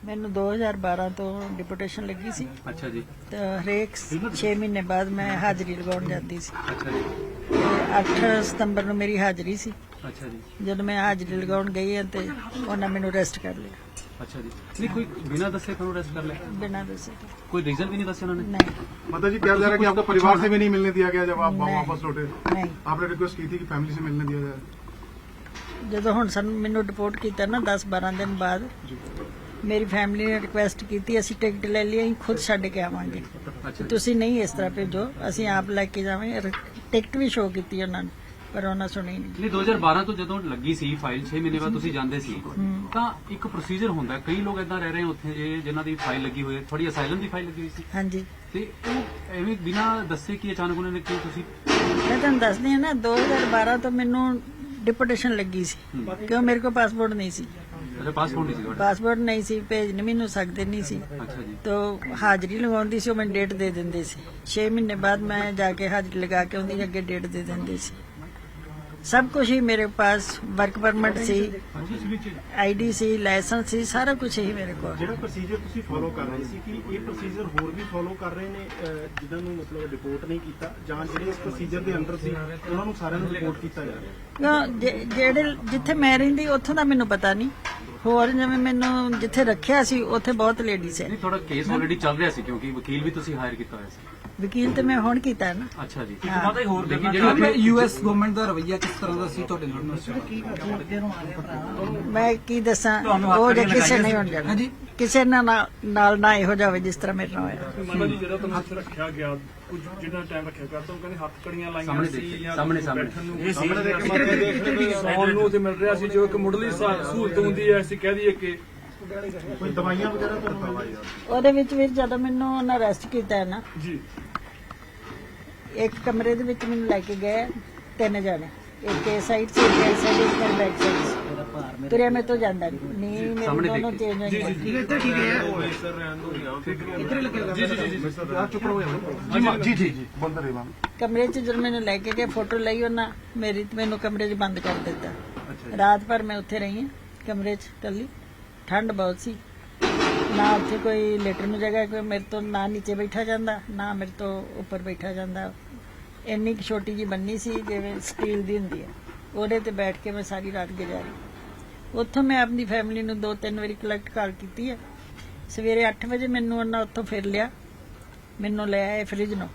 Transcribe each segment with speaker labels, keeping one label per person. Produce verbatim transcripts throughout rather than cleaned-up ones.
Speaker 1: ਮੈਨੂੰ ਦੋ ਹਜ਼ਾਰ ਬਾਰਾਂ ਤੋਂ ਡਿਪੂਟੇਸ਼ਨ ਲੱਗੀ ਸੀ।
Speaker 2: ਅੱਛਾ ਜੀ।
Speaker 1: ਤੇ ਹਰੇਕ ਛੇ ਮਹੀਨੇ ਬਾਅਦ ਮੈਂ ਹਾਜ਼ਰੀ ਲਗਾਉਣ ਜਾਂਦੀ ਸੀ।
Speaker 2: ਅੱਛਾ ਜੀ।
Speaker 1: ਤੇ ਅੱਠ ਸਤੰਬਰ ਨੂੰ ਮੇਰੀ ਹਾਜ਼ਰੀ ਸੀ।
Speaker 2: ਅੱਛਾ ਜੀ।
Speaker 1: ਜਦੋਂ ਮੈਂ ਹਾਜ਼ਰੀ ਲਗਾਉਣ ਗਈ ਹਾਂ ਤੇ ਉਹਨਾਂ ਮੈਨੂੰ ਅਰੈਸਟ ਕਰ ਲਿਆ।
Speaker 2: ਅੱਛਾ जी। नहीं कोई बिना दसे क्यों अरेस्ट कर लिया?
Speaker 1: बिना दसे।
Speaker 2: कोई रीजन भी नहीं दसे उन्होंने?
Speaker 1: नहीं।
Speaker 3: माता जी क्या जा रहा है कि आपको परिवार से भी नहीं मिलने दिया गया जब आप वापस लौटे?
Speaker 1: नहीं।
Speaker 3: आपने रिक्वेस्ट की थी कि फैमिली से मिलने दिया जाए?
Speaker 1: ਜਦੋਂ ਹੁਣ ਸਾਨੂੰ ਮੈਨੂੰ ਰਿਪੋਰਟ ਕੀਤਾ ਨਾ ਦਸ ਬਾਰਾਂ ਦਿਨ ਬਾਅਦ ਮੇਰੀ ਫੈਮਿਲੀ ਨੇ ਰਿਕੁਐਸਟ ਕੀਤੀ ਅਸੀਂ ਟਿਕਟ ਲੈ ਲਈ ਅਸੀਂ ਖੁਦ ਛੱਡ ਕੇ ਆਵਾਂਗੇ। ਤੁਸੀਂ ਨਹੀਂ ਇਸ ਤਰ੍ਹਾਂ ਭੇਜੋ ਅਸੀਂ ਆਪ ਲੈ ਕੇ ਜਾਵਾਂਗੇ। ਟਿਕਟ ਵੀ ਸ਼ੋਅ ਕੀਤੀ ਉਹਨਾਂ ਨੇ ਪਰ ਉਹਨਾਂ ਸੁਣੀ ਨਹੀਂ।
Speaker 2: ਨਹੀਂ ਦੋ ਹਜ਼ਾਰ ਬਾਰਾਂ ਤੋਂ ਜਦੋਂ ਲੱਗੀ ਸੀ ਫਾਈਲ ਛੇ ਮਹੀਨੇ ਬਾਅਦ ਤੁਸੀਂ ਜਾਂਦੇ ਸੀ ਤਾਂ ਇੱਕ ਪ੍ਰੋਸੀਜਰ ਹੁੰਦਾ ਕਈ ਲੋਕ ਇਦਾਂ ਰਹਿ ਰਹੇ ਉੱਥੇ ਜੇ ਜਿਨ੍ਹਾਂ ਦੀ ਫਾਈਲ ਲੱਗੀ ਹੋਈ ਹੈ ਥੋੜੀ ਅਸਾਈਲਮ ਦੀ ਫਾਈਲ ਲੱਗੀ ਹੋਈ ਸੀ।
Speaker 1: ਹਾਂਜੀ।
Speaker 2: ਤੇ ਉਹ ਐਵੇਂ ਬਿਨਾਂ ਦੱਸੇ ਕਿ ਅਚਾਨਕ ਉਹਨਾਂ ਨੇ ਕਿਉਂ ਤੁਸੀਂ
Speaker 1: ਮੈਂ ਤੁਹਾਨੂੰ ਦੱਸਦੀ ਹਾਂ ਨਾ ਦੋ ਹਜ਼ਾਰ ਬਾਰਾਂ ਤੋਂ ਮੈਨੂੰ ਡਿਪੂਟੇਸ਼ਨ ਲੱਗੀ ਸੀ ਕਿਉਂ ਮੇਰੇ ਕੋਲ ਪਾਸਪੋਰਟ ਨਹੀਂ ਸੀ।
Speaker 2: ਅੱਛਾ ਪਾਸਪੋਰਟ ਨਹੀਂ ਸੀ ਤੁਹਾਡਾ?
Speaker 1: ਪਾਸਪੋਰਟ ਨਹੀਂ ਸੀ ਭੇਜ ਨਹੀਂ ਮੈਨੂੰ ਸਕਦੇ ਨਹੀਂ ਸੀ।
Speaker 2: ਅੱਛਾ ਜੀ।
Speaker 1: ਤਾਂ ਹਾਜ਼ਰੀ ਲਗਾਉਂਦੀ ਸੀ ਉਹ ਮੈਨੂੰ ਡੇਟ ਦੇ ਦਿੰਦੇ ਸੀ। ਛੇ ਮਹੀਨੇ ਬਾਅਦ ਮੈਂ ਜਾ ਕੇ ਹਾਜ਼ਰੀ ਲਗਾ ਕੇ ਉਹਦੀ ਅੱਗੇ ਡੇਟ ਦੇ ਦਿੰਦੇ ਸੀ। सब कुछ ही मेरे पास वर्क परमिट सी आई डी सी लाइसेंस सी सारा कुछ ही मेरे को।
Speaker 4: ਜਿਹੜਾ ਪ੍ਰੋਸੀਜਰ ਤੁਸੀਂ ਫੋਲੋ ਕਰ ਰਹੇ ਸੀ ਕਿ ਇਹ ਪ੍ਰੋਸੀਜਰ ਹੋਰ ਵੀ ਫੋਲੋ ਕਰ ਰਹੇ ਨੇ ਜਿਨ੍ਹਾਂ ਨੂੰ ਮਤਲਬ ਰਿਪੋਰਟ ਨਹੀਂ ਕੀਤਾ ਜਾਂ ਜਿਹੜੇ ਇਸ ਪ੍ਰੋਸੀਜਰ ਦੇ ਅੰਡਰ ਸੀ ਉਹਨਾਂ ਨੂੰ ਸਾਰਿਆਂ ਨੂੰ ਰਿਪੋਰਟ ਕੀਤਾ ਜਾ ਰਿਹਾ?
Speaker 1: ਜਿਹੜੇ ਜਿੱਥੇ ਮੈਂ ਰਹਿੰਦੀ ਉੱਥੋਂ ਦਾ ਮੈਨੂੰ ਪਤਾ ਨਹੀਂ ਹੋਰ ਜਿਵੇਂ ਮੈਨੂੰ ਜਿੱਥੇ ਰੱਖਿਆ ਸੀ ਉੱਥੇ ਬਹੁਤ ਲੇਡੀਜ਼ ਹੈ।
Speaker 2: ਨਹੀਂ ਥੋੜਾ ਕੇਸ ਆਲਰੇਡੀ ਚੱਲ ਰਿਹਾ ਸੀ ਕਿਉਂਕਿ ਵਕੀਲ ਵੀ ਤੁਸੀਂ ਹਾਇਰ ਕੀਤਾ ਹੋਇਆ ਸੀ।
Speaker 1: ਵਕੀਲ ਤੇ ਮੈਂ ਹੁਣ ਕੀਤਾ ਨਾ।
Speaker 2: ਅੱਛਾ ਜੀ।
Speaker 5: ਮਾਤਾ ਹੋਰ ਦੇਖੀ ਜਿਹੜਾ ਯੂਐਸ ਗਵਰਨਮੈਂਟ ਦਾ ਰਵੱਈਆ ਕਿਸ ਤਰ੍ਹਾਂ ਦਾ ਸੀ ਤੁਹਾਡੇ ਨਾਲ?
Speaker 1: ਮੈਂ ਕੀ ਦੱਸਾਂ ਉਹ ਜੇ ਕਿਸੇ ਨਹੀਂ ਹੋਣ ਜਾਣਾ ਕਿਸੇ ਨਾਲ ਨਾਲ ਨਾ ਇਹੋ ਜਾਵੇ ਜਿਸ ਤਰ੍ਹਾਂ ਮੇਰੇ ਨਾਲ ਹੋਇਆ।
Speaker 6: ਮਾਤਾ ਜੀ ਜਿਹੜਾ ਤੁਹਾਨੂੰ ਇੱਥੇ ਰੱਖਿਆ ਗਿਆ ਕੁਝ ਜਿਹੜਾ ਟਾਈਮ ਰੱਖਿਆ ਗਿਆ ਤਾਂ ਕਹਿੰਦੇ ਹੱਥ ਕੜੀਆਂ ਲਾਈਆਂ ਸੀ ਜਾਂ
Speaker 2: ਸਾਹਮਣੇ ਸਾਹਮਣੇ
Speaker 6: ਇਹ ਸਾਹਮਣੇ ਸੌਣ ਨੂੰ ਤੇ ਮਿਲ ਰਿਹਾ ਸੀ ਜੋ ਇੱਕ ਮੁੱਢਲੀ ਸਹੂਲਤ ਹੁੰਦੀ ਹੈ ਅਸੀਂ ਕਹਿ ਦਈਏ ਕਿ
Speaker 3: कोई दवाइयाँ वगैरह तो नहीं?
Speaker 1: ਉਹਦੇ ਵਿੱਚ ਵੀ ਜਦੋਂ ਮੈਨੂੰ ਉਹਨਾਂ ਅਰੈਸਟ ਕੀਤਾ ਹੈ ਨਾ
Speaker 6: ਜੀ
Speaker 1: ਇੱਕ ਕਮਰੇ ਦੇ ਵਿੱਚ ਮੈਨੂੰ ਲੈ ਕੇ ਗਏ ਤਿੰਨ ਜਣੇ ਇੱਕ ਇਹ ਸਾਈਡ ਸੀ ਇੱਕ ਇਸ ਸਾਈਡ ਇੱਕ ਬੈਕ ਸਾਈਡ ਸੀ। ਤੁਰਿਆ ਮੇਰੇ ਤੋਂ ਜਾਂਦਾ ਨਹੀਂ ਨਹੀਂ ਮੇਰੇ ਦੋਨੋਂ ਚੇਂਜ ਹੋ ਗਏ।
Speaker 3: जी जी जी बोलते रहिए मैम।
Speaker 1: ਕਮਰੇ 'ਚ ਜਦੋਂ ਮੈਨੂੰ ਲੈ ਕੇ ਗਏ ਫੋਟੋ ਲਈ ਉਹਨਾਂ ਮੇਰੀ ਤੇ ਮੈਨੂੰ ਕਮਰੇ 'ਚ ਬੰਦ ਕਰ ਦਿੱਤਾ। ਰਾਤ ਭਰ ਮੈਂ ਉੱਥੇ ਰਹੀ ਹਾਂ ਕਮਰੇ 'ਚ ਇਕੱਲੀ। ਠੰਡ ਬਹੁਤ ਸੀ ਨਾ ਉੱਥੇ ਕੋਈ ਲੇਟਰ ਨੂੰ ਜਗ੍ਹਾ ਕੋਈ ਮੇਰੇ ਤੋਂ ਨਾ ਨੀਚੇ ਬੈਠਾ ਜਾਂਦਾ ਨਾ ਮੇਰੇ ਤੋਂ ਉੱਪਰ ਬੈਠਾ ਜਾਂਦਾ। ਇੰਨੀ ਕੁ ਛੋਟੀ ਜੀ ਬੰਨੀ ਸੀ ਜਿਵੇਂ ਸਟੀਲ ਦੀ ਹੁੰਦੀ ਹੈ ਉਹਦੇ ਤੇ ਬੈਠ ਕੇ ਮੈਂ ਸਾਰੀ ਰਾਤ ਗੁਜ਼ਾਰੀ। ਉੱਥੋਂ ਮੈਂ ਆਪਣੀ ਫੈਮਿਲੀ ਨੂੰ ਦੋ ਤਿੰਨ ਵਾਰੀ ਕਲੈਕਟ ਕਾਲ ਕੀਤੀ ਹੈ। ਸਵੇਰੇ ਅੱਠ ਵਜੇ ਮੈਨੂੰ ਉਹਨਾਂ ਉੱਥੋਂ ਫਿਰ ਲਿਆ ਮੈਨੂੰ ਲੈ ਆਏ ਫਰਿੱਜ ਨੂੰ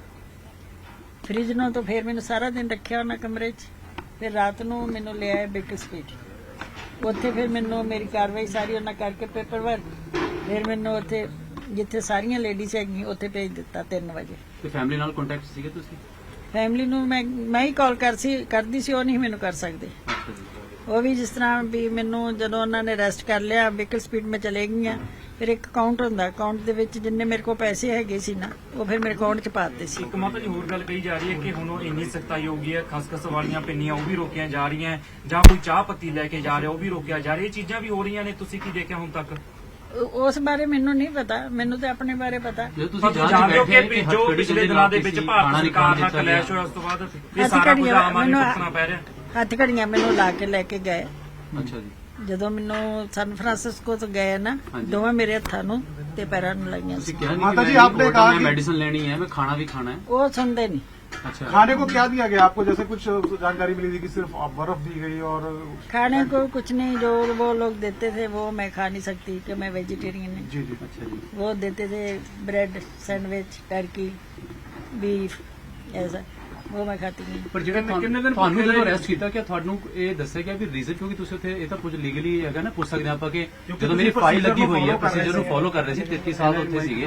Speaker 1: ਫਰਿੱਜ ਨੂੰ ਤੋਂ ਫਿਰ ਮੈਨੂੰ ਸਾਰਾ ਦਿਨ ਰੱਖਿਆ ਉਹਨਾਂ ਕਮਰੇ 'ਚ। ਫਿਰ ਰਾਤ ਨੂੰ ਮੈਨੂੰ ਲੈ ਆਏ ਬੇਕਰ ਸਟਰੀਟ ਉੱਥੇ ਫਿਰ ਮੈਨੂੰ ਮੇਰੀ ਕਾਰਵਾਈ ਸਾਰੀ ਉਹਨਾਂ ਕਰਕੇ ਪੇਪਰ ਵਰਕ ਫਿਰ ਮੈਨੂੰ ਉੱਥੇ ਜਿੱਥੇ ਸਾਰੀਆਂ ਲੇਡੀਜ਼ ਹੈਗੀਆਂ ਉੱਥੇ ਭੇਜ ਦਿੱਤਾ ਤਿੰਨ ਵਜੇ।
Speaker 2: ਤੇ ਫੈਮਿਲੀ ਨਾਲ ਕੰਟੈਕਟ ਸੀਗੇ ਤੁਸੀਂ?
Speaker 1: ਫੈਮਿਲੀ ਨੂੰ ਮੈਂ ਮੈਂ ਹੀ ਕਾਲ ਕਰ ਸੀ ਕਰਦੀ ਸੀ ਉਹ ਨਹੀਂ ਮੈਨੂੰ ਕਰ ਸਕਦੇ।
Speaker 2: ਅੱਛਾ ਜੀ।
Speaker 1: ਉਹ ਵੀ ਜਿਸ ਤਰ੍ਹਾਂ ਵੀ ਮੈਨੂੰ ਜਦੋਂ ਉਹਨਾਂ ਨੇ ਅਰੈਸਟ ਕਰ ਲਿਆ ਵਹੀਕਲ ਸਪੀਡ ਮੈਂ ਚਲੇ ਗਈਆਂ ਫਿਰ ਇੱਕ ਅਕਾਊਂਟ ਹੁੰਦਾ ਅਕਾਊਂਟ ਦੇ ਵਿੱਚ ਜਿੰਨੇ ਮੇਰੇ ਕੋਲ ਪੈਸੇ ਹੈਗੇ ਸੀ ਨਾ ਉਹ ਫਿਰ ਮੇਰੇ ਅਕਾਊਂਟ 'ਚ ਪਾ ਦਿੱਤੇ ਸੀ।
Speaker 5: ਇੱਕ ਮਾਤਾ ਜੀ ਹੋਰ ਗੱਲ ਕਹੀ ਜਾ ਰਹੀ ਹੈ ਕਿ ਹੁਣ ਉਹ ਇੰਨੀ ਸਖਤਾਈ ਹੋ ਗਈ ਹੈ ਖਸਖਸ ਵਾਲੀਆਂ ਪਿੰਨੀਆਂ ਉਹ ਵੀ ਰੋਕੀਆਂ ਜਾ ਰਹੀਆਂ ਜਾਂ ਕੋਈ ਚਾਹ ਪੱਤੀ ਲੈ ਕੇ ਜਾ ਰਿਹਾ ਉਹ ਵੀ ਰੋਕਿਆ ਜਾ ਰਿਹਾ। ਇਹ ਚੀਜ਼ਾਂ ਵੀ ਹੋ ਰਹੀਆਂ ਨੇ ਤੁਸੀਂ ਕੀ ਦੇਖਿਆ ਹੁਣ ਤੱਕ?
Speaker 1: ਉਸ ਬਾਰੇ ਮੈਨੂੰ ਨਹੀਂ ਪਤਾ ਮੈਨੂੰ ਤੇ ਆਪਣੇ ਬਾਰੇ ਪਤਾ।
Speaker 2: ਜਦੋਂ ਤੁਸੀਂ ਜਾਂਚ
Speaker 5: ਜਾਣਦੇ ਹੋ
Speaker 2: ਬੈਠੇ
Speaker 5: ਕਿ ਜੋ ਪਿਛਲੇ ਦਿਨਾਂ ਦੇ ਵਿੱਚ ਭਾਰਤ ਸਰਕਾਰ ਦਾ ਕਲੈਸ਼ ਹੋਇਆ ਉਸ ਤੋਂ ਬਾਅਦ ਇਹ ਸਾਰਾ ਕੁਝ ਆਮ ਆਦਮੀ ਨੂੰ ਭੁਗਤਣਾ ਪੈ ਰਿਹਾ।
Speaker 1: ਹੱਥ ਘੜੀਆਂ ਮੈਨੂੰ ਲਾ ਕੇ ਲੈ ਕੇ ਗਏ
Speaker 2: ਅੱਛਾ ਜੀ।
Speaker 1: ਜਦੋਂ ਮੈਨੂੰ ਸਨ ਫਰਾਂਸਿਸਕੋ ਤੋਂ ਗਏ ਨਾ ਦੋਵੇਂ ਮੇਰੇ ਹੱਥਾਂ ਨੂੰ ਤੇ ਪੈਰਾਂ ਨੂੰ ਲਾਈਆਂ ਸੀ।
Speaker 2: ਤੁਸੀਂ ਕਿਹਾ
Speaker 3: माता
Speaker 2: ਨਹੀਂ
Speaker 3: जी,
Speaker 2: ਕਿ
Speaker 3: आपने
Speaker 2: मैं
Speaker 3: कहा कि-
Speaker 2: मेडिसिन लेनी है मैं खाना भी खाना है।
Speaker 1: ਉਹ ਸੁਣਦੇ ਨਹੀਂ।
Speaker 2: अच्छा
Speaker 3: खाने को क्या दिया गया आपको? जैसे कुछ जानकारी मिली थी कि सिर्फ बर्फ दी गई और
Speaker 1: खाने को कुछ नहीं जो वो लोग देते थे वो मैं खा नहीं सकती कि मैं वेजिटेरियन हूँ।
Speaker 3: जी जी
Speaker 2: अच्छा जी।
Speaker 1: वो देते थे ब्रेड सैंडविच टर्की बीफ ऐसा वो मैं खाती नहीं।
Speaker 2: ਪਰ ਜਿਹੜੇ ਤੁਹਾਨੂੰ ਜਦੋਂ ਅਰੈਸਟ ਕੀਤਾ ਕਿ ਤੁਹਾਨੂੰ ਇਹ ਦੱਸਿਆ ਗਿਆ ਵੀ ਰੀਜ਼ਨ ਕਿਉਂਕਿ ਤੁਸੀਂ ਉੱਥੇ ਇਹ ਤਾਂ ਕੁਝ ਲੀਗਲੀ ਹੈਗਾ ਨਾ ਪੁੱਛ ਸਕਦੇ ਆਪਾਂ ਕਿ ਜਦੋਂ ਮੇਰੀ ਫਾਈਲ ਲੱਗੀ ਹੋਈ ਹੈ ਪ੍ਰੋਸੀਜਰ ਨੂੰ ਫੋਲੋ ਕਰ ਰਹੇ ਸੀ ਤੇਤੀ ਸਾਲ ਉੱਥੇ ਸੀਗੇ।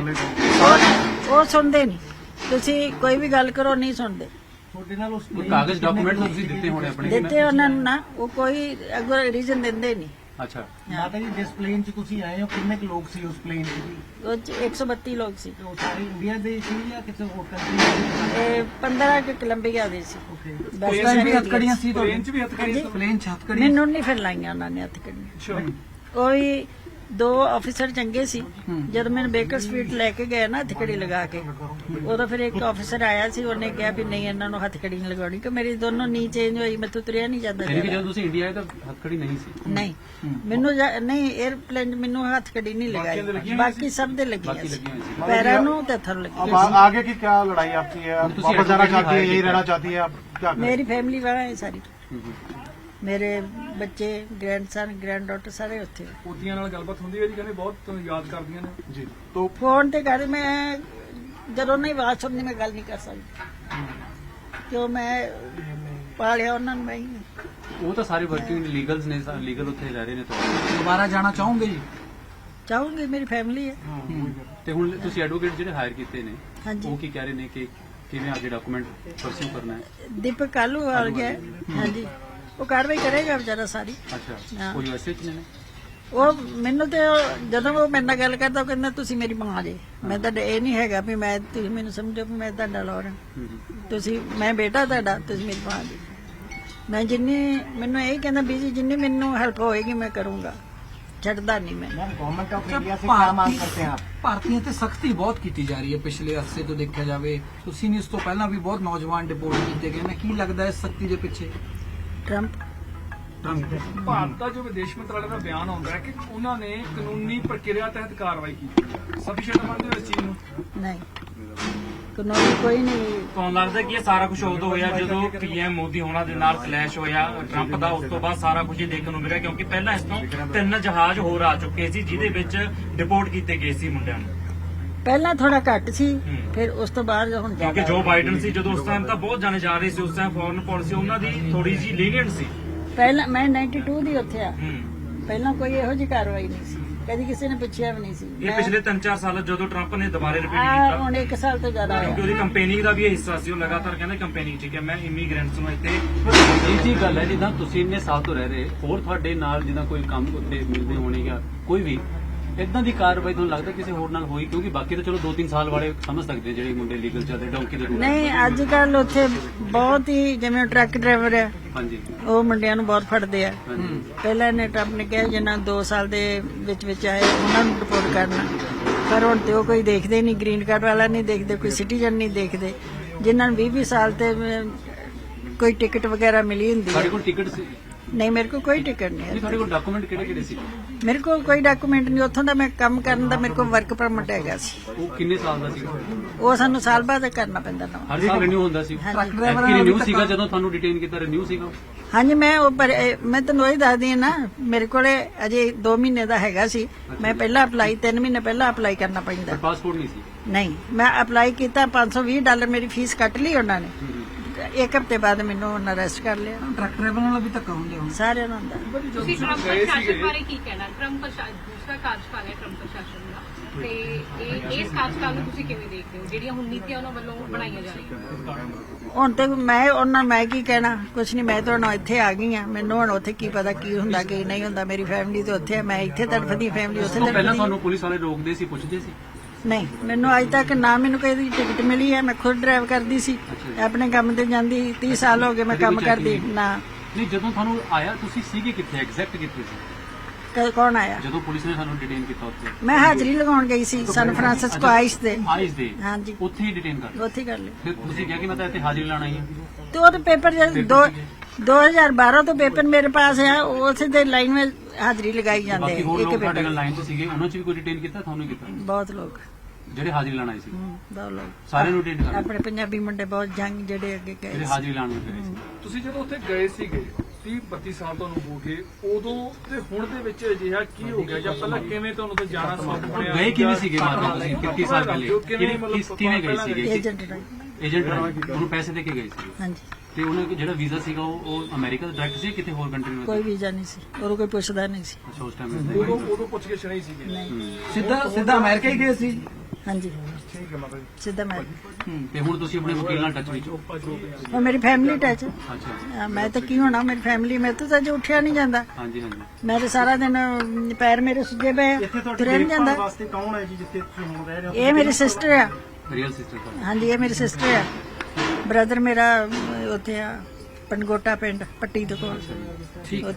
Speaker 1: ਉਹ ਸੁਣਦੇ ਨਹੀਂ ਤੁਸੀਂ ਕੋਈ ਵੀ ਗੱਲ ਕਰੋ ਨਹੀਂ ਸੁਣਦੇ।
Speaker 2: ਕੋਈ ਕਾਗਜ਼ ਡਾਕੂਮੈਂਟ ਤੁਸੀਂ ਦਿੱਤੇ ਹੋਣੇ ਆਪਣੇ?
Speaker 1: ਦਿੱਤੇ ਉਹਨਾਂ ਨੂੰ ਨਾ ਉਹ ਕੋਈ ਅੱਗੋਂ ਰੀਜ਼ਨ ਦਿੰਦੇ ਨਹੀਂ।
Speaker 2: ਅੱਛਾ
Speaker 4: ਮਾਤਾ ਜੀ ਜਿਸ ਪਲੇਨ 'ਚ ਤੁਸੀਂ ਆਏ ਹੋ ਕਿੰਨੇ ਕੁ ਲੋਕ ਸੀ ਉਸ ਪਲੇਨ 'ਚ ਜੀ?
Speaker 1: ਉਹ 'ਚ ਇੱਕ ਸੌ ਬੱਤੀ ਲੋਕ ਸੀ।
Speaker 4: ਉਹ ਸਾਰੇ ਇੰਡੀਆ ਦੇ ਸੀ ਜਾਂ ਕਿਸੇ ਹੋਰ ਕੰਟਰੀ
Speaker 1: ਇਹ ਪੰਦਰਾਂ ਕਿ ਕੋਲੰਬੀਆ ਦੇ ਸੀ। ਬਸ
Speaker 4: ਪਲੇਨ 'ਚ ਵੀ ਹੱਥਕੜੀਆਂ ਸੀ
Speaker 6: ਟ੍ਰੇਨ 'ਚ ਵੀ ਹੱਥ ਕੜੀ
Speaker 4: ਪਲੇਨ 'ਚ ਹੱਥਕੜੀਆਂ
Speaker 1: ਮੈਨੂੰ ਨਹੀਂ ਫਿਰ ਲਾਈਆਂ ਉਹਨਾਂ ਨੇ ਹੱਥ ਕੜੀਆਂ। ਉਹ ਵੀ ਦੋ ਆਫੀਸਰ ਚੰਗੇ ਸੀ। ਜਦੋਂ ਮੈਨੂੰ ਬੇਕਰ ਸਟਰੀਟ ਲੈ ਕੇ ਗਏ ਨਾ ਹੱਥਕੜੀ ਲਗਾ ਕੇ, ਉਦੋਂ ਫਿਰ ਇੱਕ ਆਫੀਸਰ ਆਇਆ ਸੀ, ਉਹਨੇ ਕਿਹਾ ਵੀ ਨਹੀਂ ਇਹਨਾਂ ਨੂੰ ਹੱਥਕੜੀ ਨਹੀਂ ਲਗਾਉਣੀ, ਕਿ ਮੇਰੀ ਦੋਨੋਂ ਨੀ ਚੇਂਜ ਹੋਈ, ਮੈਥੋਂ ਤੁਰਿਆ ਨਹੀਂ ਜਾਂਦਾ
Speaker 2: ਯਾਨੀ ਕਿ
Speaker 1: ਜ਼ਿਆਦਾ।
Speaker 2: ਜਦੋਂ ਤੁਸੀਂ ਇੰਡੀਆ ਆਏ ਤਾਂ ਹੱਥਕੜੀ ਨਹੀਂ ਸੀ।
Speaker 1: ਨਹੀਂ ਮੈਨੂੰ ਜਾ- ਨਹੀਂ 에ਅਰਪਲੇਨ ਮੈਨੂੰ ਹੱਥਕੜੀ ਨਹੀਂ ਲਗਾਈ, ਬਾਕੀ ਸਭ ਦੇ ਲੱਗੀਆਂ
Speaker 2: ਬਾਕੀ
Speaker 1: ਸੀ,
Speaker 2: ਲੱਗੀਆਂ ਹੋਈਆਂ ਸੀ।
Speaker 1: ਪੈਰਾਂ ਨੂੰ ਤੇ ਹੱਥਾਂ ਨੂੰ ਲੱਗੀ।
Speaker 3: अब आ- आगे की क्या लड़ाई आपकी है? आप
Speaker 2: तुसी
Speaker 3: वापस जाना
Speaker 2: advocate
Speaker 3: चाहती है,
Speaker 2: hire
Speaker 3: यही
Speaker 2: किया?
Speaker 3: रहना चाहती है, आप क्या करें?
Speaker 1: ਮੇਰੀ ਫੈमिली वहाँ है सारी,
Speaker 2: ਹੂੰ ਹੂੰ।
Speaker 1: ਮੇਰੇ ਬੱਚੇ, ਗ੍ਰੈਂਡਸਨ, ਗ੍ਰੈਂਡਡਾਟਰ ਸਾਰੇ ਉੱਥੇ।
Speaker 6: ਪੋਤੀਆਂ ਨਾਲ ਗੱਲਬਾਤ ਹੁੰਦੀ ਹੈ ਜੀ, ਕਹਿੰਦੇ ਬਹੁਤ ਯਾਦ ਕਰਦੀਆਂ ਨੇ।
Speaker 3: जी तो
Speaker 1: ਫੋਨ ਤੇ ਕਰ, ਮੈਂ ਜਦੋਂ ਨਹੀਂ ਆਵਾਜ਼ ਸੁਣਨੀ ਮੈਂ ਗੱਲ ਨਹੀਂ ਕਰ ਸਕਦੀ, ਕਿਉਂ ਮੈਂ ਪਾਲਿਆ ਉਹਨਾਂ ਨੂੰ ਮੈਂ ਹੀ।
Speaker 2: ਉਹ ਤਾਂ ਸਾਰੇ ਵਰਕਿੰਗ ਲੀਗਲਸ ਨੇ, ਲੀਗਲ ਉੱਥੇ ਰਹਿ ਰਹੇ ਨੇ ਤੁਹਾਡੇ।
Speaker 7: ਦੁਬਾਰਾ ਜਾਣਾ ਚਾਹੋਗੇ ਜੀ?
Speaker 1: ਚਾਹੂੰਗੀ, ਮੇਰੀ ਫੈमिली ਹੈ।
Speaker 2: ਤੇ ਹੁਣ ਤੁਸੀਂ ਐਡਵੋਕੇਟ ਜਿਹੜੇ ਹਾਇਰ ਕੀਤੇ ਨੇ,
Speaker 1: ਹਾਂਜੀ।
Speaker 2: ਉਹ ਕੀ ਕਹਿ ਰਹੇ ਨੇ ਕਿ ਕਿਵੇਂ ਅੱਗੇ ਡਾਕੂਮੈਂਟ ਪਰਸਿਊ ਕਰਨਾ ਹੈ?
Speaker 1: ਦੀਪਕ ਕਾਲੂ ਆ ਗਿਆ ਹੈ। ਹਾਂਜੀ, ਉਹ ਕਾਰਵਾਈ ਕਰੇਗਾ ਵਿਚਾਰਾ ਸਾਰੀ।
Speaker 2: ਅੱਛਾ,
Speaker 1: ਹਾਂ।
Speaker 2: ਉਹ ਯੂਐਸਏ ਚ ਨੇ?
Speaker 1: ਉਹ ਮੈਨੂੰ ਤੇ ਉਹ- ਜਦੋਂ ਉਹ ਮੇਰੇ ਨਾਲ ਗੱਲ ਕਰਦਾ ਉਹ ਕਹਿੰਦਾ ਤੁਸੀਂ ਮੇਰੀ ਮਾਂ ਜੇ। ਮੈਂ ਤਾਂ ਇਹ ਨਹੀਂ ਹੈਗਾ ਵੀ ਮੈਂ, ਤੁਸੀਂ ਮੈਨੂੰ ਸਮਝੋ ਵੀ ਮੈਂ ਤੁਹਾਡਾ ਲੋਰ ਹਾਂ,
Speaker 2: ਹੂੰ ਹੂੰ।
Speaker 1: ਤੁਸੀਂ, ਮੈਂ ਬੇਟਾ ਤੁਹਾਡਾ, ਤੁਸੀਂ ਮੇਰੀ ਮਾਂ ਜੀ। ਮੈਂ ਜਿੰਨੀ, ਮੈਨੂੰ ਇਹ ਕਹਿੰਦਾ ਵੀ ਜੀ ਜਿੰਨੀ ਮੈਨੂੰ ਹੈਲਪ ਹੋਏਗੀ ਮੈਂ ਕਰੂੰਗਾ, ਛੱਡਦਾ ਨਹੀਂ ਮੈਂ।
Speaker 7: ਗਵਰਨਮੈਂਟ ਆਫ ਇੰਡੀਆ ਸੇ ਕੀ ਮੰਗ ਕਰਤੇ हैं आप? ਭਾਰਤੀਆਂ ਤੇ ਸਖਤੀ ਬਹੁਤ ਕੀਤੀ ਜਾ ਰਹੀ ਹੈ ਪਿਛਲੇ ਅਰਸੇ ਤੋਂ ਦੇਖਿਆ ਜਾਵੇ। ਤੁਸੀਂ ਨਹੀਂ, ਇਸ ਤੋਂ ਪਹਿਲਾਂ ਵੀ ਬਹੁਤ ਨੌਜਵਾਨ ਡਿਪੋਰਟ ਕੀਤੇ ਗਏ ਨੇ। ਕੀ ਲੱਗਦਾ ਹੈ ਇਸ ਸਖਤੀ ਦੇ ਪਿੱਛੇ?
Speaker 1: ਟਰੰਪ
Speaker 6: ਭਾਰਤ ਦਾ ਜੋ ਵਿਦੇਸ਼ ਮੰਤਰਾਲੇ ਦਾ ਬਿਆਨ ਆਉਂਦਾ ਹੈ ਕਿ ਉਹਨਾਂ ਨੇ ਕਾਨੂੰਨੀ ਪ੍ਰਕਿਰਿਆ ਤਹਿਤ ਕਾਰਵਾਈ ਕੀਤੀ ਹੈ, ਸਫੀਸ਼ੀਐਂਟ ਮੰਨਦੇ ਹੋ ਇਸ ਚੀਜ਼ ਨੂੰ?
Speaker 1: ਨਹੀਂ, ਕਾਨੂੰਨੀ ਕੋਈ ਨਹੀਂ।
Speaker 5: ਤੁਹਾਨੂੰ ਲੱਗਦਾ ਕਿ ਇਹ ਸਾਰਾ ਕੁਝ ਉਦੋਂ ਹੋਇਆ ਜਦੋਂ ਪੀਐਮ ਮੋਦੀ ਹੋਣਾ ਦੇ ਨਾਲ ਕਲੈਸ਼ ਹੋਇਆ ਟਰੰਪ ਦਾ, ਉਸ ਤੋਂ ਬਾਅਦ ਸਾਰਾ ਕੁਝ ਹੀ ਦੇਖਣ ਨੂੰ ਮਿਲਿਆ, ਕਿਉਂਕਿ ਪਹਿਲਾਂ ਇਸ ਤੋਂ ਤਿੰਨ ਜਹਾਜ਼ ਹੋਰ ਆ ਚੁੱਕੇ ਸੀ ਜਿਹਦੇ ਵਿੱਚ ਡਿਪੋਰਟ ਕੀਤੇ ਗਏ ਸੀ ਮੁੰਡਿਆਂ ਨੂੰ।
Speaker 1: ਪਹਿਲਾਂ ਥੋੜਾ ਘੱਟ ਸੀ,
Speaker 5: ਹੂੰ।
Speaker 1: ਫਿਰ ਉਸ ਤੋਂ ਬਾਅਦ ਹੁਣ
Speaker 5: ਕਿਉਂਕਿ
Speaker 1: ਜ਼ਿਆਦਾ।
Speaker 5: ਜੋ ਬਾਈਡਨ ਸੀ ਜਦੋਂ ਉਸ ਟਾਈਮ ਤਾਂ ਬਹੁਤ ਜਾਣੇ ਜਾ ਰਹੇ ਸੀ, ਉਸ ਟਾਈਮ ਫੋਰਨ ਪਾਲਿਸੀ ਉਹਨਾਂ ਦੀ ਥੋੜੀ ਜਿਹੀ ਲੀਨੀਅੰਟ ਸੀ।
Speaker 1: ਪਹਿਲਾਂ ਮੈਂ ਬਾਨਵੇਂ ਦੀ ਉੱਥੇ ਆ,
Speaker 5: ਹੂੰ।
Speaker 1: ਪਹਿਲਾਂ ਕੋਈ ਇਹੋ ਜਿਹੀ ਕਾਰਵਾਈ ਨਹੀਂ ਸੀ, ਕਦੀ ਕਿਸੇ ਨੇ ਪੁੱਛਿਆ ਵੀ ਨਹੀਂ ਸੀ।
Speaker 5: ਇਹ
Speaker 1: ਮੈਂ-
Speaker 5: ਪਿਛਲੇ ਤਿੰਨ ਚਾਰ ਸਾਲ ਜਦੋਂ ਟਰੰਪ ਨੇ ਦੁਬਾਰੇ ਰਿਪੀਟ
Speaker 1: ਆਹ
Speaker 5: ਕੀਤਾ,
Speaker 1: ਹੁਣ ਇੱਕ ਸਾਲ ਤੋਂ ਜ਼ਿਆਦਾ
Speaker 5: ਕਿਉਂਕਿ
Speaker 1: ਹੋਇਆ।
Speaker 5: ਉਹਦੀ ਕੰਪੇਨਿੰਗ ਦਾ ਵੀ ਇਹ ਹਿੱਸਾ ਸੀ। ਉਹ ਲਗਾਤਾਰ ਕਹਿੰਦੇ ਕੰਪੇਨਿੰਗ ਠੀਕ ਹੈ, ਮੈਂ ਇਮੀਗ੍ਰੈਂਟਸ ਨੂੰ ਇੱਥੇ
Speaker 2: ਇਹ ਜੀ ਗੱਲ ਹੈ, ਜਿੱਦਾਂ ਤੁਸੀਂ ਇੰਨੇ ਸਾਲ ਤੋਂ ਰਹਿ ਰਹੇ, ਹੋਰ ਤੁਹਾਡੇ ਨਾਲ ਜਿੱਦਾਂ ਕੋਈ ਕੰਮ ਉੱਤੇ ਮਿਲਦੇ ਹੋਣੇ ਜਾਂ ਕੋਈ ਵੀ ਇਦਾਂ ਦੀ ਕਾਰਵਾਈ ਤੁਹਾਨੂੰ ਲੱਗਦਾ ਕਿਸੇ ਹੋਰ ਨਾਲ ਹੋਈ? ਕਿਉਂਕਿ ਬਾਕੀ ਤਾਂ ਚਲੋ ਦੋ ਤਿੰਨ ਸਾਲ ਵਾਲੇ ਸਮਝ ਸਕਦੇ ਜਿਹੜੇ ਮੁੰਡੇ ਲੀਗਲ ਚੱਲਦੇ ਡੌਂਕੀ ਦੇ ਰੂਲ।
Speaker 1: ਨਹੀਂ, ਅੱਜ ਕੱਲ ਉੱਥੇ ਬਹੁਤ ਹੀ, ਜਿਵੇਂ ਟਰੱਕ ਡਰਾਈਵਰ ਆ,
Speaker 2: ਹਾਂਜੀ
Speaker 1: ਉਹ ਮੁੰਡਿਆਂ ਨੂੰ ਬਹੁਤ ਫੜਦੇ ਆ।
Speaker 2: ਹਾਂਜੀ।
Speaker 1: ਪਹਿਲਾਂ ਨੇ ਟਰੰਪ ਨੇ ਕਿਹਾ ਜਿਨ੍ਹਾਂ ਦੋ ਸਾਲ ਦੇ ਵਿੱਚ ਵਿੱਚ ਆਏ ਉਹਨਾਂ ਨੂੰ ਰਿਪੋਰਟ ਕਰਨਾ, ਪਰ ਹੁਣ ਤੇ ਉਹ ਕੋਈ ਦੇਖਦੇ ਨਹੀਂ, ਗ੍ਰੀਨ ਕਾਰਡ ਵਾਲਾ ਨਹੀਂ ਦੇਖਦੇ, ਕੋਈ ਸਿਟੀਜ਼ਨ ਨਹੀਂ ਦੇਖਦੇ। ਜਿਨ੍ਹਾਂ ਨੂੰ ਵੀਹ ਵੀਹ ਸਾਲ ਤੇ ਅਮ, ਕੋਈ ਟਿਕਟ ਵਗੈਰਾ ਮਿਲੀ ਹੁੰਦੀ
Speaker 2: ਤੁਹਾਡੇ
Speaker 1: ਹੈ।
Speaker 2: ਕੋਲ ਟਿਕਟ ਸੀ?
Speaker 1: ਨਹੀਂ, ਮੇਰੇ ਕੋਲ ਕੋਈ ਟਿਕਟ ਨਹੀਂ
Speaker 2: ਨਹੀਂ,
Speaker 1: ਹੈ।
Speaker 2: ਤੁਹਾਡੇ ਕੋਲ ਡਾਕੂਮੈਂਟ ਕਿਹੜੇ ਕਿਹੜੇ ਸੀ?
Speaker 1: ਮੇਰੇ ਕੋਲ ਕੋਈ ਡਾਕੂਮੈਂਟ ਨਹੀਂ। ਉੱਥੋਂ ਦਾ ਮੈਂ ਕੰਮ ਕਰਨ ਦਾ ਮੇਰੇ ਕੋਲ ਵਰਕ ਪਰਮਿਟ ਹੈਗਾ ਸੀ,
Speaker 2: ਉਹ ਕਿੰਨੇ ਸਾਲ ਦਾ ਸੀਗਾ?
Speaker 1: ਉਹ ਸਾਨੂੰ ਸਾਲ ਬਾਅਦ ਕਰਨਾ ਪੈਂਦਾ ਨਵਾਂ।
Speaker 2: ਹਰ ਸਾਲ ਰਿਨਿਊ ਹੁੰਦਾ ਸੀ?
Speaker 1: ਹਾਂਜੀ।
Speaker 2: ਐਤਕੀ ਰਿਨਿਊ ਸੀਗਾ ਜਦੋਂ ਤੁਹਾਨੂੰ ਡਿਟੇਨ ਕੀਤਾ, ਰਿਨਿਊ ਸੀਗਾ?
Speaker 1: ਹਾਂਜੀ, ਮੈਂ ਉਹ ਪਰ ਇਹ- ਮੈਂ ਤੁਹਾਨੂੰ ਉਹੀ ਦੱਸਦੀ ਹਾਂ ਨਾ, ਮੇਰੇ ਕੋਲੇ ਅਜੇ ਦੋ ਮਹੀਨੇ ਦਾ ਹੈਗਾ ਸੀ। ਮੈਂ ਪਹਿਲਾਂ ਅਪਲਾਈ ਤਿੰਨ ਮਹੀਨੇ ਪਹਿਲਾਂ ਅਪਲਾਈ ਕਰਨਾ ਪੈਂਦਾ।
Speaker 2: ਪਰ ਪਾਸਪੋਰਟ ਨਹੀਂ ਸੀ?
Speaker 1: ਨਹੀਂ, ਮੈਂ ਅਪਲਾਈ ਕੀਤਾ, ਪੰਜ ਸੌ ਵੀਹ ਡਾਲਰ ਮੇਰੀ ਫੀਸ ਕੱਟ ਲਈ ਉਹਨਾਂ ਨੇ। ਇੱਕ ਹਫ਼ਤੇ ਬਾਅਦ ਮੈਨੂੰ ਉਹਨਾਂ ਅਰੈਸਟ ਕਰ ਲਿਆ।
Speaker 7: ਟਰੱਕ ਡਰਾਈਵਰ ਨਾਲ ਵੀ ਧੱਕਾ ਹੁੰਦੇ ਹੁਣ।
Speaker 1: ਸਾਰਿਆਂ ਨੂੰ ਹੁੰਦਾ।
Speaker 8: ਤੁਸੀਂ ਟਰੰਪ ਪ੍ਰਸ਼ਾਸਨ ਬਾਰੇ ਕੀ ਕਹਿਣਾ? ਟਰੰਪ ਪ੍ਰਸ਼ਾਸਨ ਦੂਸਰਾ ਕਾਰਜਕਾਲ ਹੈ ਟਰੰਪ ਪ੍ਰਸ਼ਾਸਨ ਦਾ, ਤੇ ਇਹ ਇਸ ਕਾਰਜਕਾਲ ਨੂੰ ਤੁਸੀਂ ਕਿਵੇਂ ਦੇਖਦੇ ਹੋ, ਜਿਹੜੀਆਂ ਹੁਣ ਨੀਤੀਆਂ ਉਹਨਾਂ ਵੱਲੋਂ ਬਣਾਈਆਂ ਜਾ ਰਹੀਆਂ?
Speaker 1: ਹੁਣ ਤੇ ਮੈਂ ਉਹਨਾਂ ਮੈਂ ਕੀ ਕਹਿਣਾ, ਕੁਛ ਨਹੀਂ। ਮੈਂ ਤਾਂ ਹੁਣ ਇੱਥੇ ਆ ਗਈ ਆ, ਮੈਨੂੰ ਹੁਣ ਉੱਥੇ ਕੀ ਪਤਾ ਕੀ ਹੁੰਦਾ ਕੀ ਨਹੀਂ ਹੁੰਦਾ। ਮੇਰੀ ਫੈਮਿਲੀ ਤਾਂ ਉੱਥੇ ਹੈ, ਮੈਂ ਇੱਥੇ ਤੜਫਦੀ, ਫੈਮਿਲੀ ਉੱਥੇ
Speaker 2: ਉਸ ਤੋਂ ਪਹਿਲਾਂ
Speaker 1: ਤੜਫਦੀ।
Speaker 2: ਤੁਹਾਨੂੰ ਪੁਲਿਸ ਵਾਲੇ ਰੋਕਦੇ ਸੀ, ਪੁੱਛਦੇ ਸੀ?
Speaker 1: ਨਹੀਂ, ਮੈਨੂੰ ਅੱਜ ਤੱਕ ਨਾ ਮੈਨੂੰ ਕੋਈ ਟਿਕਟ ਮਿਲੀ ਹੈ। ਮੈਂ ਖੁਦ ਡਰਾਈਵ ਕਰਦੀ ਸੀ, ਆਪਣੇ ਕੰਮ ਤੇ ਜਾਂਦੀ। ਤੀਹ ਸਾਲ ਹੋ ਗਏ ਮੈਂ ਕੰਮ ਕਰਦੀ। ਨਾ,
Speaker 2: ਨਹੀਂ, ਜਦੋਂ ਤੁਹਾਨੂੰ ਆਇਆ ਤੁਸੀਂ ਸੀਗੇ ਕਿੱਥੇ, ਐਗਜ਼ੈਕਟ ਕਿੱਥੇ ਸੀ
Speaker 1: ਕ- ਕੌਣ ਆਇਆ?
Speaker 2: ਜਦੋਂ ਪੁਲਿਸ ਨੇ ਸਾਨੂੰ ਡਿਟੇਨ ਕੀਤਾ ਉੱਥੇ?
Speaker 1: ਮੈਂ ਹਾਜ਼ਰੀ ਲਗਾਉਣ ਗਈ ਸੀ ਸਨ ਫਰਾਂਸਿਸਕੋ ਆਈਸ ਦੇ।
Speaker 2: ਆਈਸ ਦੇ?
Speaker 1: ਹਾਂਜੀ,
Speaker 2: ਉੱਥੇ ਹੀ ਡਿਟੇਨ ਕਰ?
Speaker 1: ਉੱਥੇ ਕਰ ਲਿਆ।
Speaker 2: ਫਿਰ ਤੁਸੀਂ ਕਿਹਾ ਕਿ ਮੈਂ ਤਾਂ ਇੱਥੇ ਹਾਜ਼ਰੀ ਲਾਣ ਆਈ ਹਾਂ?
Speaker 1: ਤੇ ਉਹ ਤੇ ਪੇਪਰ ਜਦ ਦੋ दो हज़ार बारह ਤੋਂ ਪੇਪਰ ਮੇਰੇ ਪਾਸ ਹੈ, ਉਸੇ ਦੇ ਲਾਈਨ ਵਿੱਚ ਹਾਜ਼ਰੀ ਲਗਾਈ ਜਾਂਦੇ
Speaker 2: ਬਾਕੀ ਹੋਰ
Speaker 1: ਇੱਕ
Speaker 2: ਲੋਕ ਤੁਹਾਡੇ
Speaker 1: ਪੇਪਰ।
Speaker 2: ਨਾਲ ਲਾਈਨ 'ਚ ਸੀਗੇ, ਉਹਨਾਂ 'ਚ ਵੀ ਕੋਈ ਡਿਟੇਨ ਕੀਤਾ? ਤੁਹਾਨੂੰ ਕੀਤਾ?
Speaker 1: ਬਹੁਤ ਲੋਕ,
Speaker 2: ਜਿਹੜੇ ਹਾਜ਼ਰੀ ਲਾਣ ਆਏ ਸੀ
Speaker 1: ਹਮ, ਬਹੁਤ ਲੋਕ
Speaker 2: ਸਾਰਿਆਂ ਨੂੰ ਡਿਟੇਨ ਕਰ?
Speaker 1: ਆਪਣੇ ਪੰਜਾਬੀ ਮੁੰਡੇ ਬਹੁਤ ਜੰਗ ਜਿਹੜੇ ਅੱਗੇ ਗਏ
Speaker 2: ਜਿਹੜੇ
Speaker 1: ਸੀ।
Speaker 2: ਹਾਜ਼ਰੀ ਲਾਣ ਗਏ ਸੀ?
Speaker 6: ਤੁਸੀਂ ਜਦੋਂ ਉੱਥੇ ਗਏ ਸੀਗੇ ਤੀਹ ਬੱਤੀ ਸਾਲ ਤੁਹਾਨੂੰ ਹੋ ਗਏ, ਉਦੋਂ ਤੇ ਹੁਣ ਦੇ ਵਿੱਚ ਅਜਿਹਾ ਕੀ ਹੋ ਗਿਆ, ਜਾਂ ਪਹਿਲਾਂ ਕਿਵੇਂ ਤੁਹਾਨੂੰ ਤਾਂ ਜਾਣਾ ਸੌਖ ਬਣਿਆ?
Speaker 2: ਗਏ ਕਿਵੇਂ ਸੀਗੇ ਮਾਤਾ ਤੁਸੀਂ ਤੀਹ ਸਾਲ ਪਹਿਲੇ?
Speaker 6: ਕਿਵੇਂ
Speaker 2: ਕਿਸ ਕਿਵੇਂ ਗਏ ਸੀਗੇ?
Speaker 1: ਏਜੰਟ ਰਾਹੀਂ।
Speaker 2: ਏਜੰਟ ਰਾਹੀਂ ਉਹਨੂੰ ਪੈਸੇ ਦੇ ਕੇ ਗਏ ਸੀ?
Speaker 1: ਹਾਂਜੀ,
Speaker 2: ਤੇ ਉਹਨੇ ਜਿਹੜਾ ਵੀਜ਼ਾ ਸੀਗਾ ਉਹ ਉਹ ਅਮਰੀਕਾ ਦਾ ਡਾਇਰੈਕਟ ਸੀ ਕਿਤੇ ਹੋਰ ਕੰਟਰੀ
Speaker 1: ਕੋਈ
Speaker 2: ਵਿੱਚ?
Speaker 1: ਵੀਜ਼ਾ ਨਹੀਂ ਸੀ, ਉਹ ਕੋਈ ਪੁੱਛਦਾ ਨਹੀਂ ਸੀ।
Speaker 2: ਅੱਛਾ, ਉਸ ਟਾਈਮ
Speaker 6: ਉਦੋਂ ਉਦੋਂ ਪੁੱਛ ਕੇ ਨਹੀਂ ਸੀਗੇ?
Speaker 7: ਸਿੱਧਾ ਸਿੱਧਾ ਅਮਰੀਕਾ ਹੀ ਗਏ ਸੀ?
Speaker 1: ਹਾਂਜੀ,
Speaker 3: ठीक है माता जी।
Speaker 1: ਸਿੱਧਾ ਮੈਂ।
Speaker 2: ਤੇ ਹੁਣ ਤੁਸੀਂ ਆਪਣੇ ਵਕੀਲ ਨਾਲ ਟੱਚ ਵਿੱਚ ਹੋ?
Speaker 1: ਉਹ ਮੇਰੀ ਫੈਮਿਲੀ ਟੱਚ।
Speaker 2: ਅੱਛਾ,
Speaker 1: ਮੈਂ ਤਾਂ ਕੀ ਹੋਣਾ, ਮੇਰੀ ਫੈਮਿਲੀ ਮੇਰੇ ਤੋਂ ਤਾਂ ਅਜੇ ਉੱਠਿਆ ਨਹੀਂ ਜਾਂਦਾ।
Speaker 2: ਹਾਂਜੀ ਹਾਂਜੀ।
Speaker 1: ਮੈਂ ਤਾਂ ਸਾਰਾ ਦਿਨ ਅਮ, ਪੈਰ ਮੇਰੇ ਸੁੱਜੇ ਪਏ,
Speaker 4: ਇੱਥੇ ਤੁਹਾਡੀ
Speaker 1: ਤੁਰਿਆ ਨਹੀਂ
Speaker 4: ਦੇਖਭਾਲ
Speaker 1: ਜਾਂਦਾ।
Speaker 4: ਵਾਸਤੇ ਕੌਣ ਹੈ ਜੀ ਜਿੱਥੇ ਤੁਸੀਂ ਹੁਣ ਰਹਿ ਰਹੇ ਹੋ?
Speaker 1: ਇਹ ਮੇਰੀ ਸਿਸਟਰ ਆ।
Speaker 2: ਰੀਅਲ ਸਿਸਟਰ ਤੁਹਾਡੀ?
Speaker 1: ਹਾਂਜੀ, ਇਹ ਮੇਰੀ ਸਿਸਟਰ ਆ। ਬ੍ਰਦਰ ਮੇਰਾ ਅਮ, ਉੱਥੇ ਆ ਪਨਗੋਟਾ ਪਿੰਡ, ਪੱਟੀ ਦੇ ਕੋਲ।
Speaker 2: ਠੀਕ।